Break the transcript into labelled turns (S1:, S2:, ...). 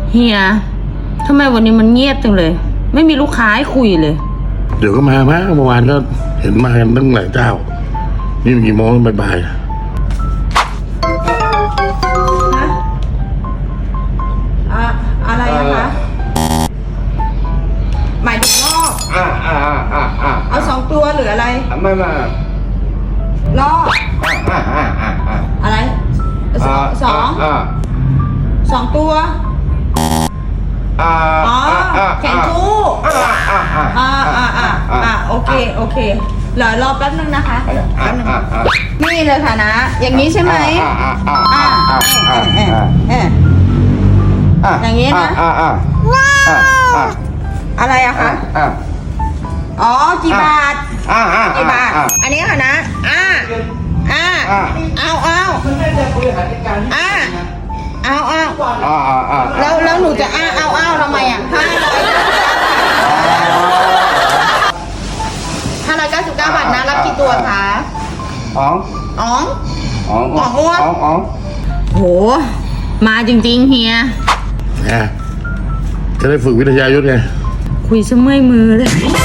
S1: เฮียทำไมวันนี้มันเงียบจังเลยไม่มีลูกค้าให้คุยเลย
S2: เดี๋ยวก็มาเมื่อวานก็เห็นมากันตั้งหลายเจ้านี่กี่โมงบ่าย
S1: ฮะอะไรนะคะหมายถึงรอบเอา2 ตัวหรืออะไร
S2: ไม่
S1: รอบอะไรสองตัวอ๋อแขนคู่โอเคเหลือรอแป๊บนึงนะคะแป๊บนึงนี่เลยค่ะนะอย่างนี้ใช่ไหมอย่างนี้นะอะไรอะคะอ๋อกี่บาทกี่บาทอันนี้ค่ะนะเอาแล้วหนูจะเอาทำไมอ่ะ599 บาทนะรับกี่ตัวคะอ๋องโหมาจริงๆเฮีย
S2: จะได้ฝึกวิทยายุทธไง
S1: คุยซะเมื่อยมือเลย